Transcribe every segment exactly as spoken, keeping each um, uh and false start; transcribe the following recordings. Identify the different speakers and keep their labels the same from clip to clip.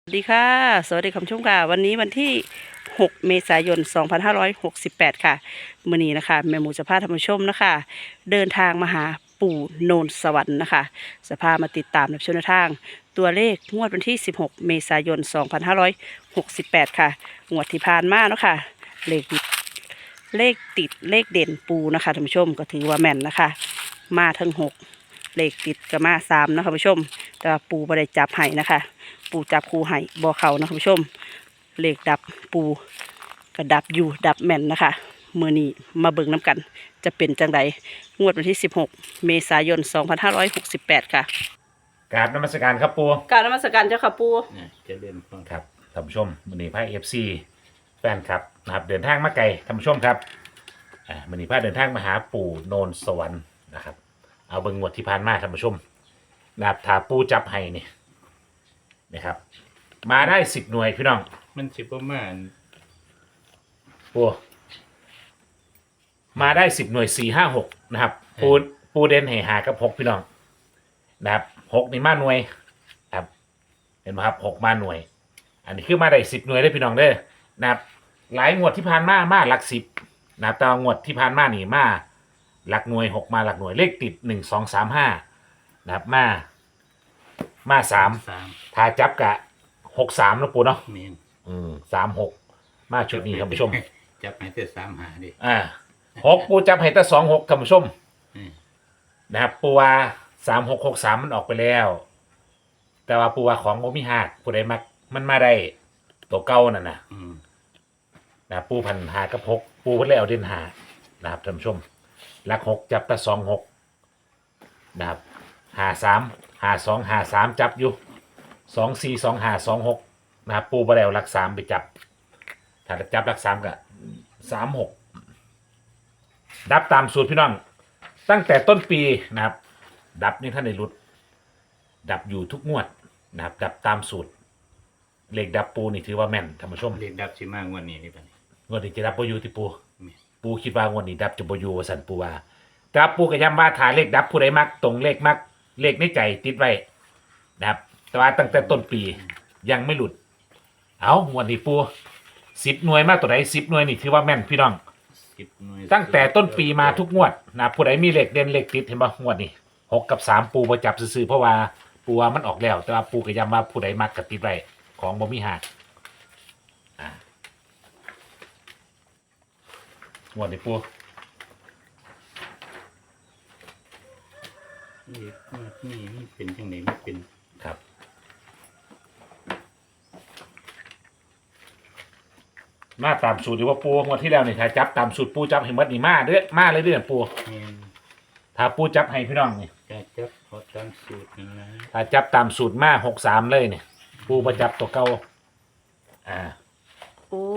Speaker 1: สวัสดีค่ะสวัสดีคุณผู้ชมค่ะวันนี้วันที่หกเมษายนสองพันห้าร้อยหกสิบแปดค่ะมื้อนี้นะคะแม่หมูจะพาท่านผู้ชมนะคะเดินทางมาหาปู่โนนสวรรค์นะคะจะพามาติดตามในช่วงทางตัวเลขงวดวันที่สิบหกเมษายนสองพันห้าร้อยหกสิบแปดค่ะงวดที่ผ่านมาเนาะค่ะเลขเลขติดเลขเด่นปูนะคะท่านผู้ชมก็ถือว่าแม่นนะคะมาทั้งหกเลขติดก็มาสามนะคะท่านผู้ชมแต่ว่าปูไม่ได้จับให้นะคะปูจับคูให้บ่อเขานะคุณผู้ชมเลขดับปูกระดับอยู่ดับแม่นนะคะเมื่อนี้มาเบิ่งน้ำกันจะเป็นจังไดงวดวันที่สิบหกเมษายนสองพันห้าร้อยหกสิบแปดค่ะ
Speaker 2: กราบนมัสการครับปู
Speaker 1: กรารนมัสการเจ้าค่ะปู
Speaker 3: เนี่ยจะเล่นฟัง
Speaker 2: ครับท่านผู้ชมมือนี้พาเอฟซีแฟนครับนะครับเดินทางมาไกลท่านผู้ชมครับอ่ามือนี้พาเดินทางมาหาปู่โนนสวรรค์นะครับเอาเบิ่งงวดที่ผ่านมาท่านผู้ชมนะครับถ้าปูจับให้นี่นะครับมาได้สิบหน่วยพี่น้อง
Speaker 3: มันสิประมาณ
Speaker 2: ปูมาได้สิบหน่วยสี่ห้าหกนะครับปูปูเด่นให้หากับหกพี่น้องนะครับหกนี่มาหน่วยครับเห็นไหมครับหกมาหน่วยอันนี้คือมาได้สิบหน่วยได้พี่น้องเด้อนะครับหลายงวดที่ผ่านมามาหลักสิบนะครับแต่งวดที่ผ่านมานี่มาหลักหน่วยหกมาหลักหน่วยเลขติดหนึ่งสองสามห้านะครับมามาสาม
Speaker 3: สาม
Speaker 2: ถ้าจับกะหกสามนะปูเนาะ
Speaker 3: เมน
Speaker 2: อืมสามหกมาชุดนี้ท่านผู้ชม
Speaker 3: จับให้แต่สามหาดิ
Speaker 2: อ่าหกปูจับให้แต่สองหกท่านผู้ชมนะครับปูว่าสามหกหกสามมันออกไปแล้ว แต่ว่าปูว่าของโมมิฮาดปูได้มักมันมาได้ตัวเก่านั่นนะนะปูพันหากับหกปูเพิ่นเลยเอาเด่นหานะครับท่านผู้ชมหลักหกจับแต่สองหกนะครับหาสามหาสองหาสามจับอยู่สองสี่สองหาสองหกนะครับปูบ่ได้เอาหลักสามไปจับถ้าจับหลักสามก็สามหกดับตามสูตรพี่น้องตั้งแต่ต้นปีนะครับดับนี่ท่านในรุดดับอยู่ทุกงวดนะครับดับตามสูตรเลขดับปูนี่ถือว่าแม่นท่านผู้ชม
Speaker 3: เลขดับสิมากกว่านี้นี่ปะนี่
Speaker 2: งวดนี้จะดับปูอยู่ที่ปูปูคิดว่างวดนี้ดับจะปูอยู่ว่าสันปูว่าแต่ปูก็ย้ำว่าถ่ายเลขดับผู้ใดมักตรงเลขมักเลขในใจติดไว้นะครับแต่ว่าตั้งแต่ต้นปียังไม่หลุดเอางวดนี้ปูสิบหน่วยมากตัวไหนสิบหน่วยนี่ถือว่าแม่นพี่น้องตั้งแต่ต้นปีมาทุกงวดนะผู้ใดมีเลขเด่นเลขติดเห็นป่ะงวดนี้หกกับสามปูประจับซื้อเพราะว่าปูว่ามันออกแล้วแต่ว่าปูก็ย้ำว่าผู้ใดมักกับติดไว้ของบ่มีหักงวดนี้ปู
Speaker 3: นี่นี่นี่เป็นจังไหนไม่เป็น
Speaker 2: ครับมาตามสูตรอยู่ว่าปูงวดที่แล้วนี่ถ้าจับตามสูตรปูจับให้หมดนี่มาเด้อมาเลยเด้อปูถ้าปูจับให้พี่น้องนี่
Speaker 3: จะจับพอตามสูตรนะ
Speaker 2: ถ้าจับตามสูตรมาหกสามเลยเนี่ยปูประจับตัวเก่าอ่า
Speaker 1: โอ้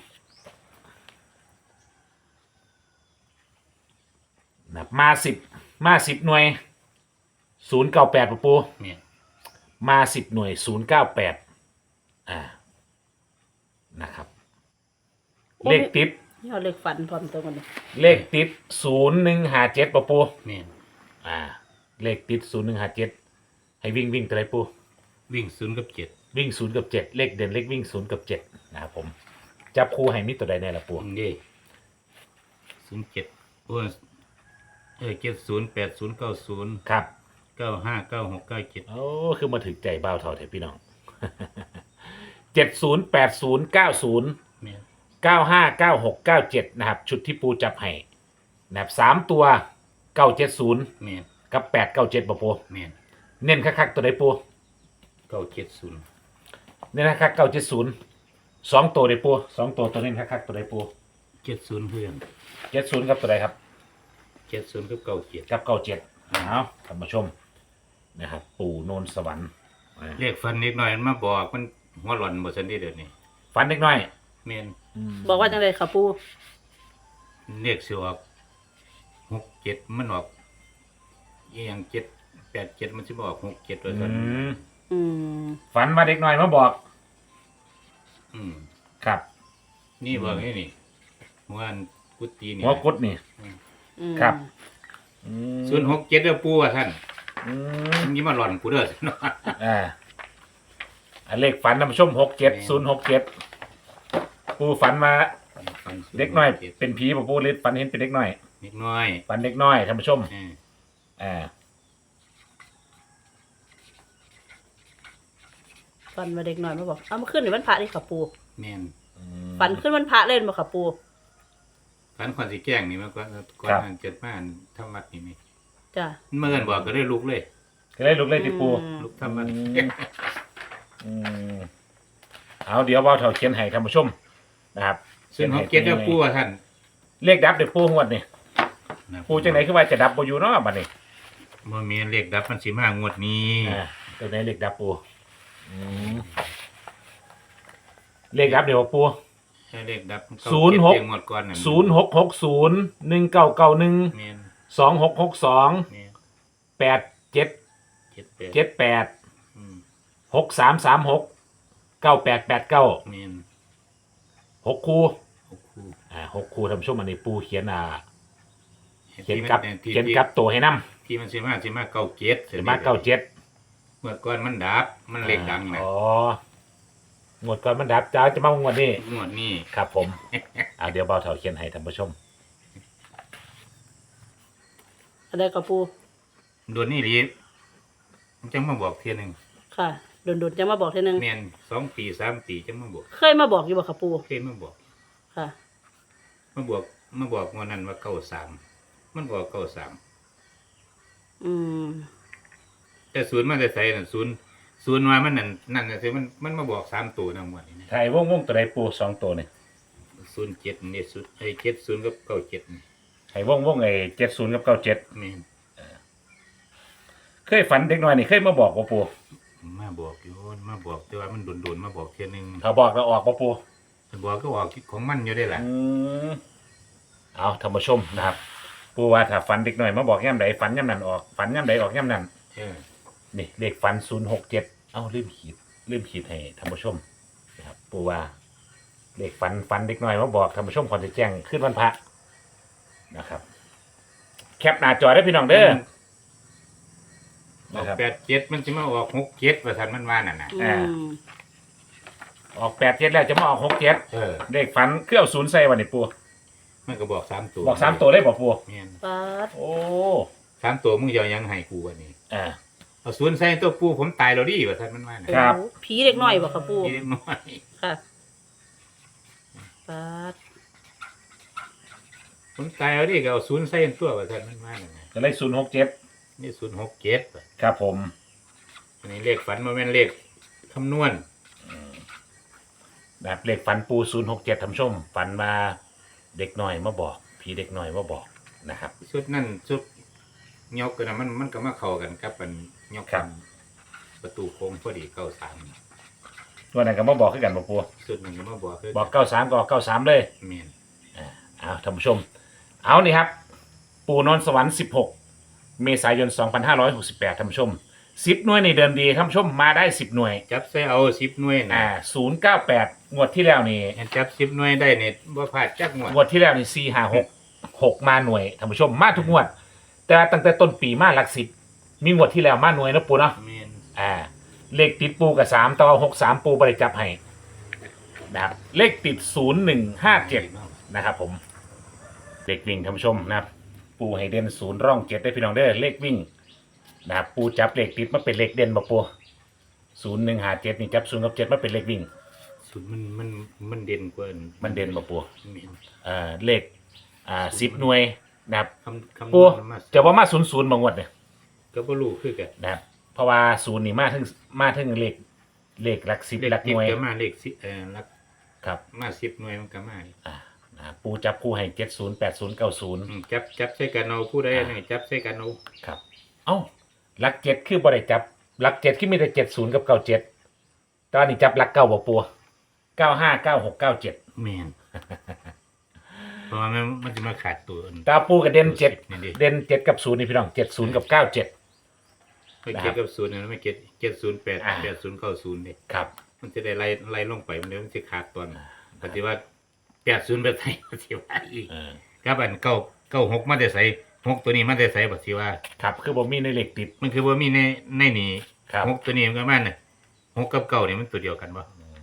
Speaker 2: นะมาสิบมาสิบหน่วยศูนย์เก้าแปดปูมาสิบหน่วยศูนย์เก้าแปดอ่านะครับเลขติด
Speaker 1: ยอดเลขฝันพร้อมตัวกัน
Speaker 2: เลขติดศูนย์หนึ่งหาเจ็ดปู
Speaker 3: เนี่ย
Speaker 2: อ่าเลขติดศูนย์หนึ่งหาเจ็ดให้วิ่งวิ่งตัวไหนปู
Speaker 3: วิ่งศูนย์กับเจ็ด
Speaker 2: วิ่งศูนย์กับเจ็ดเลขเด่นเลขวิ่งศูนย์กับเจ็ดนะครับผมจับคู่ให้มิตัวใดในละปู
Speaker 3: นี่ศูนย์เจ็ดโอ้เออเจ็ดศูนย์แปดศูนย์เก้าศูนย์
Speaker 2: ครับ
Speaker 3: เก้าห้าเก้าหกเก้าเจ็ด
Speaker 2: โอ้คือมาถึงใจเบาเท่าเถอะพี่น้องเจ็ดศูนย์แปดศูนย์เก้าศูนย์เก้าห้าเก้าหกเก้าเจ็ดนะครับชุดที่ปูจับให้นะครับสามตัวเก้าเจ็ดศูนย์กับแปดเก้าเจ็ดปะปูเน้นคักๆตัวใดปู
Speaker 3: เก้าเจ็ดศูนย์
Speaker 2: เน้นคักๆเก้าเจ็ดศูนย์สองตัวใดปูสองตัวตัวเน้นคักๆตัวใดปู
Speaker 3: เจ็ดศูนย์เพื่อน
Speaker 2: เจ็ดศูนย์กับตัวใดครับ
Speaker 3: เจ็ดศูนย์กับเก้าเจ็ด
Speaker 2: กับเก้าเจ็ดเอาท่านผู้ชมนะครับปู่โนนสวรรค์
Speaker 3: เรียกฟันนิดหน่อยมาบอกมันหัวหล่อนหมดสันทีเดี๋ยวนี้
Speaker 2: ฟันเล็กน้อย
Speaker 3: เมน
Speaker 1: บอกว่าจังเลยค่ะปู
Speaker 3: เรียกเสียออกหกเจ็ดมันออกอย่างเจ็ดแปดเจ็ดมันจะบอกหกเจ็ดเลยกัน
Speaker 2: ฝันมาเด็กน้อยมาบอก
Speaker 3: อืม
Speaker 2: ครับ
Speaker 3: นี่บอกนี่นี่หัวกุฏินี่
Speaker 2: หัวกุฏนี่ครับ
Speaker 3: ศูนย์หกเจ็ดเด้อปูอ่ะท่านนี่มาหล่อนปูเด้อ
Speaker 2: อ่าอันเลขฝันท่านผู้ชมหกเจ็ดศูนย์หกเจ็ดปูฝันมาเด็กน้อยเป็นผีบ่ปูหรือฝันเห็นเป็นเด็กน้อย
Speaker 3: เด็กน้อย
Speaker 2: ฝันเด็กน้อยท่านผู้ชม
Speaker 3: เออ
Speaker 2: อ่า
Speaker 1: ฟันมาเด็กหน่อยมาบอกเอามาขึ้นในวันพระนี่ค่ะปู
Speaker 3: แม่น
Speaker 1: ฝันขึ้นวันพระเล่นมาค่ะปู
Speaker 3: ฝันคนสิแกล้งนี่มาก่อนก่อนอันเกิดมาอันทำวัดนี่นี่
Speaker 1: จ้ะ
Speaker 3: เมื่อกันบอกก็ได้ลุกเลย
Speaker 2: ก็ได้ลุกเลยที่ปู
Speaker 1: อืม
Speaker 3: ลุกทำวัด
Speaker 2: อืมอืมเอาเดี๋ยวเว่าเท่าเขียนให้ท่านผู้ชมนะครับ
Speaker 3: ซึ่งเขาเก็ตแล้วปูว่าท่าน
Speaker 2: เลขดับเดี๋ยวปูงวดนี่ปูจังไหนคือว่าจะดับบ่อยู่เนาะบัดนี้
Speaker 3: บ่มีเลขดับมันสิมางวดนี้
Speaker 2: อ่าตัวไหนเลขดับปูอืมเลขดับเดี๋ยวปู
Speaker 3: ให้เลขดับมั
Speaker 2: ศูนย์หก
Speaker 3: เก็บเงวดก่อนน่ะ
Speaker 2: ศูนย์หกหกศูนย์หนึ่งเก้าเก้าหนึ่ง
Speaker 3: แม่น
Speaker 2: สองหกหกสอง
Speaker 3: แม่น
Speaker 2: แปดเจ็ด
Speaker 3: เจ็ดแปด
Speaker 2: เจ็ดแปด
Speaker 3: อืม
Speaker 2: หกสามสามหกเก้าแปดแปดเก้า
Speaker 3: แม่น
Speaker 2: หกคู่
Speaker 3: หกคู่
Speaker 2: อ่าหกคู่ท่านผู้ชมอันนี้ปูเขียนอ่าเขียน
Speaker 3: ที่
Speaker 2: กับ
Speaker 3: มันที่
Speaker 2: เขียนกับตัวให้นํ
Speaker 3: ที่มันสิมาสิมาเก้าเจ็ด
Speaker 2: เขียนมาเก้าเจ็ด
Speaker 3: เมื่อก่อนมันดับมันเลขดังนะ
Speaker 2: อ๋องวดก่อนมันดับจ้าจะมางวดนี้
Speaker 3: งวดนี้
Speaker 2: ครับผม อ่าเดี๋ยวเบาเถาเขียนให้ท่านผู้ชม
Speaker 1: อะไรกับปู
Speaker 3: โดนนี่ดีมันจังมาบอกเทียหนึง
Speaker 1: ค่ะโดนๆจะมาบอกทีนึง
Speaker 3: แม่นสองปีสามปีจังมาบอก
Speaker 1: เคยมาบอกอยู่บ่ค่ะปู
Speaker 3: เคยมาบอก
Speaker 1: ค่ะ
Speaker 3: มาบอกมาบอกงวดนั้นว่าเก้าสามมันบอกเก้าสาม
Speaker 1: อืม
Speaker 3: แต่ศูนย์มันจะใส่น่ะศูนย์ศูนย์มามันนั่นนั่นน่ะสิมันมันมาบอกสามตัวนะงวดนี้นะ
Speaker 2: ไทยวงวงตัวใดปูสองตัวนี่
Speaker 3: ศูนย์เจ็ดนี่ศูนย์ไอ้เจ็ดศูนย์กับเก้าเจ็ดนี่
Speaker 2: ไทยวงวงไอ้เจ็ดศูนย์กับเก้าเจ็ด
Speaker 3: แม่น
Speaker 2: เคยฝันเด็กน้อยนี่เคยมาบอกว่าปู
Speaker 3: มาบอกอยู่มาบอกแต่ว่ามันโดนๆมาบอกเทียหนึง
Speaker 2: เขาบอกเราออกว่าปู
Speaker 3: มันบอกก็บอกของมันอยู่ได้แหละ
Speaker 2: อืมเอาท่านผู้ชมนะครับ ปูว่าถ้าฝันเด็กน้อยมาบอกย่ำใดฝันย่ำนั้นออกฝันย่ำใดออกย่ำนั้น
Speaker 3: เออ
Speaker 2: นี่เลขฝันศูนย์หกเจ็ดเอ้าลืมขีดลืมขีดให้ท่านผู้ชมนะครับปูว่าเลขฝันฝันเด็กน้อยมาบอกท่านผู้ชมก่อนจะแจ้งขึ้นวันพระนะครับ แคปหน้าจอได้พี่น้องเด้อ
Speaker 3: อ
Speaker 2: นะ
Speaker 3: อก
Speaker 2: ครับ
Speaker 3: แปดเจ็ดมันจะมาออกหกเจ็ดว่าทันมันว่านั่นน่ะ
Speaker 1: อื
Speaker 2: อ่า
Speaker 1: ม
Speaker 2: ออกแปดเจ็ดแล้วจะมาออกหกเจ็ด
Speaker 3: เออ
Speaker 2: เลขฝันเครื่องศูนย์ใส่วันนี้ปู
Speaker 3: มันก็บอกสามตัว
Speaker 2: บอกสามตัวเลยบอกปู
Speaker 3: แม่น
Speaker 1: ปัด
Speaker 2: โอ้
Speaker 3: สามตัวมึงจะเอายังให้กูวันนี้
Speaker 2: อ่า
Speaker 3: เอาศูนย์ใส่ตัวปูผมตายแล้วดิว่าทันมันว่าน่ะ
Speaker 2: ครับ
Speaker 1: โอ้ผีเด็กน้อยบ่ค่ะปู
Speaker 3: เล็กน้อย
Speaker 1: ค่ะปัด
Speaker 3: ผมตายแล้วดิก็เอาศูนย์ใส่ตัวว่าทันมันว่าน่ะ
Speaker 2: ก็เลยศูนย์หกเจ็ด
Speaker 3: นี่ศูนย์หกเจ็ด
Speaker 2: ครับผม
Speaker 3: อันนี้เลขฝันมันเป็นเลขคำนวณ
Speaker 2: นะครับเลขฝันปูศูนย์หกเจ็ดท่านผู้ชมฝันมาเด็กน้อยมาบอกผีเด็กน้อยมาบอกนะครับ
Speaker 3: ชุดนั่นชุดยกกันนะมันมันก็มาเข้ากันกับมันยก
Speaker 2: ครับ
Speaker 3: ประตูโค้งพอดีเก้าสาม
Speaker 2: ตัวไหนก็มาบอกขึ้นกันบอกปู
Speaker 3: ชุดหนึ่งก็มาบอกคือ
Speaker 2: บอกเก้าสามก็เก้าสามเลย
Speaker 3: เมียน
Speaker 2: อ่าเอาท่านผู้ชม เอานี่ครับ ปูนอนสวรรค์สิบหกเมษายนสองพันห้าร้อยหกสิบแปดท่านผู้ชมสิบหน่วยในเดิมดีท่านผู้ชมมาได้สิบหน่วย
Speaker 3: จับใส่เอาสิบหน่วยนะ
Speaker 2: อ่าศูนย์เก้าแปดงวดที่แล้วนี่
Speaker 3: จับสิบหน่วยได้เนี่ยบ่พลาดจักหมด
Speaker 2: งวดที่แล้วนี่สี่ห้าหกหกมาหน่วยท่านผู้ชมมาทุกงวด แต่ตั้งแต่ต้นปีมาหลักสิบมีงวดที่แล้วมาหน่วยนะปูเนาะ
Speaker 3: เมียน
Speaker 2: อ่า เลขติดปูกับสามต่อหกสามปูบริจับให้นะครับเลขติดศูนย์หนึ่งห้าเจ็ดนะครับผมเลขวิ่งท่านผู้ชมนะครับ ปูให้เด่นศูนย์ร่องเจ็ดได้พี่น้องเด้อเลขวิ่งนะครับปูจับเลขติดมาเป็นเลขเด่นบ่ปูศูนย์หนึ่งห้าเจ็ดนี่จับศูนย์กับเจ็ดมาเป็นเลขวิ่ง
Speaker 3: สุดมันมันมันเด่นกว่า
Speaker 2: มันเด่นบ่ปู
Speaker 3: เมียน
Speaker 2: อ่าเลขอ่าสิบหน่วยนะครับ
Speaker 3: คำคำน
Speaker 2: ปู
Speaker 3: วณมา
Speaker 2: จะว่ามาศูนย์ศูนย์บางงวดเนี่ย
Speaker 3: ก็บ่รู้คือกัน
Speaker 2: นะครับเพราะว่าศูนย์นี่มาถึงมาถึงเลขเลขหลักสิบ
Speaker 3: เลข
Speaker 2: หลัก
Speaker 3: ติ
Speaker 2: ห
Speaker 3: ด
Speaker 2: น่วย
Speaker 3: ก็มาเลขสิเอ่อหลัก
Speaker 2: ครับ
Speaker 3: มาสิบหน่วยมันก็มา
Speaker 2: อ่านะครับปูจับคู่ให้เจ็ดศูนย์แปดศูนย์เก้าศูนย์
Speaker 3: อืมจับจับใส่กันเอาผู้ใดอันนี้จับใส่กันเอา
Speaker 2: ครับเอ้าหลักเจ็ดคือบริจับหลักเจ็ดคือมีแต่เจ็ดศูนย์กับเก้าเจ็ดตอนนี้จับหลักเก้าบ่ปูเก้าห้าเก้าหกเก้าเจ็ด
Speaker 3: เมียน เพราะว่ามันมันจะมาขาดตัวอัน
Speaker 2: ตาปูกับเด่นเจ็ด
Speaker 3: นี่ดิ
Speaker 2: เด่นเจ็ดกับศูนย์นี่พี่น้องเจ็ดศูนย์กับเก้าเจ็ด
Speaker 3: ไม่เก็ตกับศูนย์นะไม่เก็ตเก็ตศูนย์แปด
Speaker 2: อ่า
Speaker 3: แปดศูนย์เก้าศูนย์เนี่ย
Speaker 2: ครับ
Speaker 3: มันจะได้ไล่ไล่ลงไปมันเดี๋ยวมันจะขาดตอนปฏิว่าแปดศูนย์ไปใส่ปฏิว่าอีก
Speaker 2: เออ
Speaker 3: ครับอันเก้าเก้าหกมันจะใส่หกตัวนี้มันจะใส่ปฏิว่า
Speaker 2: ครับคือบ่มีในเลขติด
Speaker 3: มันคือว่ามีในในนี่
Speaker 2: ครับ
Speaker 3: หกตัวนี้มันก็มันน่ะหกกับเก้านี่มันตัวเดียวกันบ่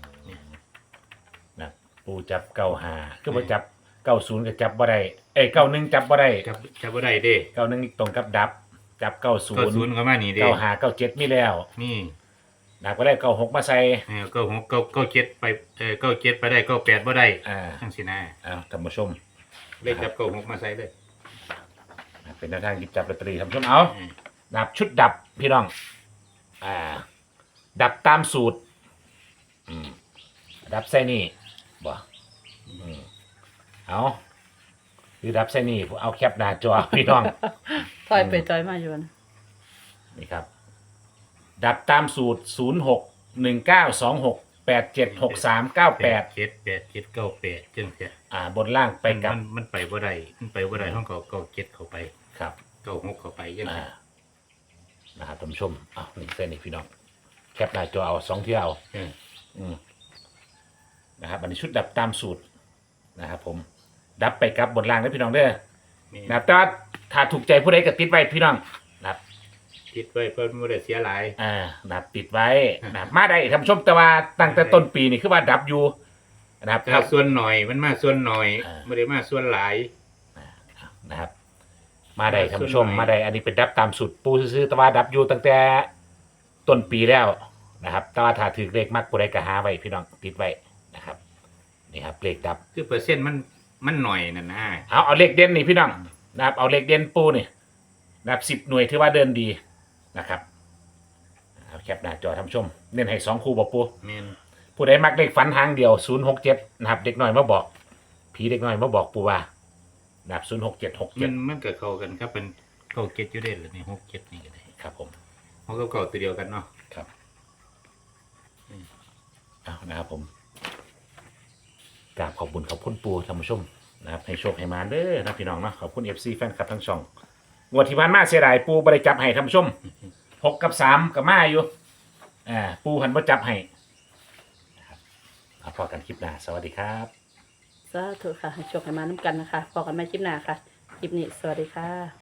Speaker 2: นะปูจับเก้าหาคือบ่จับเก้าศูนย์ก็จับบ่ได้เอ้ยเก้าหนึ่งจับบ่ได้
Speaker 3: จับจับบ่ได้เด้
Speaker 2: เก้าหนึ่งตรงกับดับ จับเก้าศูน
Speaker 3: เก้า
Speaker 2: ย์
Speaker 3: ศูนย์ก็มานี่เด้
Speaker 2: เก้าหาเก้าเจ็ดมีแล้ว
Speaker 3: นี่
Speaker 2: ดับก็ได้เก้าหกมาใส่
Speaker 3: เออเก้าหกเก้าเก้าเจ็ดไปเออเก้าเจ็ดไปได้เก้าแปดบ่ได้
Speaker 2: อ่า
Speaker 3: จังซี่นะ
Speaker 2: อ้าวท่านผู้ชม
Speaker 3: เลขจับเก้าหกมาใส่เลย
Speaker 2: เป็นแนวทางหยิบจับลอตเตอรี่ท่านผู้ชมเอา
Speaker 3: อืม
Speaker 2: ดับชุดดับพี่น้อง อ่า ดับตามสูตร อืม ดับไส้นี่บ่อืมเอาคือดับไส้นี่ผมเอาแคปหน้าจอ พี่น้อง
Speaker 1: ถอยไปถอยมาอยู่นะ
Speaker 2: นี่ครับ ดับตามสูตรศูนย์หกหนึ่งเก้าสองหกแปดเจ็ดหกสามเก้าแปด
Speaker 3: เจ็ดแปดเจ็ดเก้าแปดจังซี่
Speaker 2: อ่า บนล่างไปกับ
Speaker 3: มันมันไปบ่ได้มันไปบ่ได้ห้องเก้าเก้าเจ็ดเข้าไป
Speaker 2: ครับ
Speaker 3: เก้าหกเข้าไปจัง
Speaker 2: อ่า
Speaker 3: ซี่
Speaker 2: นะครับท่านผู้ชมอ้าวนี่เส้นนี่พี่น้อง แคปหน้าจอเอาสองเที่ยว
Speaker 3: เออ
Speaker 2: อืมนะครับอันนี้ชุดดับตามสูตรนะครับผม ดับไปกับบนล่างนะพี่น้องเด้อ
Speaker 3: นี่
Speaker 2: นะครับแต่ว่าถ้าถูกใจผู้ใดก็ติดไว้พี่น้องนะครับ
Speaker 3: คิดไว้เพิ่นบ่ได้เสียหลาย
Speaker 2: อ่าดับติดไว้นะครับมาได้ท่านผู้ชมแต่ว่าตั้งแต่ต้นปีนี่คือว่าดับอยู่นะครับ
Speaker 3: ถ้าส่วนหน่อยมันมาส่วนหน่อย
Speaker 2: อ่า
Speaker 3: บ่ได้มาส่วนหลาย
Speaker 2: นะครับ มาได้ท่านผู้ชม
Speaker 3: ส่วนหน่อย
Speaker 2: มาได้อันนี้เป็นดับตามสูตรปูซื้อๆแต่ว่าดับอยู่ตั้งแต่ต้นปีแล้วนะครับแต่ว่าถ้าถือเลขมากผู้ใดก็หาไว้พี่น้องติดไว้นะครับนี่ครับเลขดับ
Speaker 3: คือเปอร์เซ็นต์มันมันหน่อยน่ะนะ
Speaker 2: เอาเอาเลขเด่นนี่พี่น้องนะครับเอาเลขเด่นปูนี่นะครับสิบหน่วยถือว่าเดินดีนะครับเอาแคปหน้าจอท่านผู้ชมเน้นให้สองคู่บอกปู
Speaker 3: แม่น
Speaker 2: ผู้ใดมักเลขฝันหางเดียวศูนย์หกเจ็ดนะครับเด็กน้อยมาบอกผีเด็กน้อยมาบอกปูว่านะครับศูนย์หกเจ็ดหก
Speaker 3: มั
Speaker 2: เจ็ด
Speaker 3: นมันก็เข้ากันครับเป็นเก้าเจ็ดอยู่เด้ล่ะนี่หกเจ็ดนี่ก็ได้
Speaker 2: ครับผม
Speaker 3: เฮาก็เก้าตัวเดียวกันเนาะ
Speaker 2: ครับเอานะครับผมกราบขอบคุณขอบคุณปูท่านผู้ชมนะครับให้โชคให้มาเด้อนะพี่น้องเนาะขอบคุณเอฟซีแฟนคลับทั้งช่องงวดที่ผ่านมาเสียดายปูบริจับให้ท่านผู้ชมหกกับสามกับมาอยู่อ่าปูหันบ่จับให้นะครับเอาพอกันคลิปหน้าสวัสดีครับ
Speaker 1: สาธุค่ะให้โชคให้มาน้ำกันนะคะพอกันไม่คลิปหน้าค่ะ คลิปนี้สวัสดีค่ะ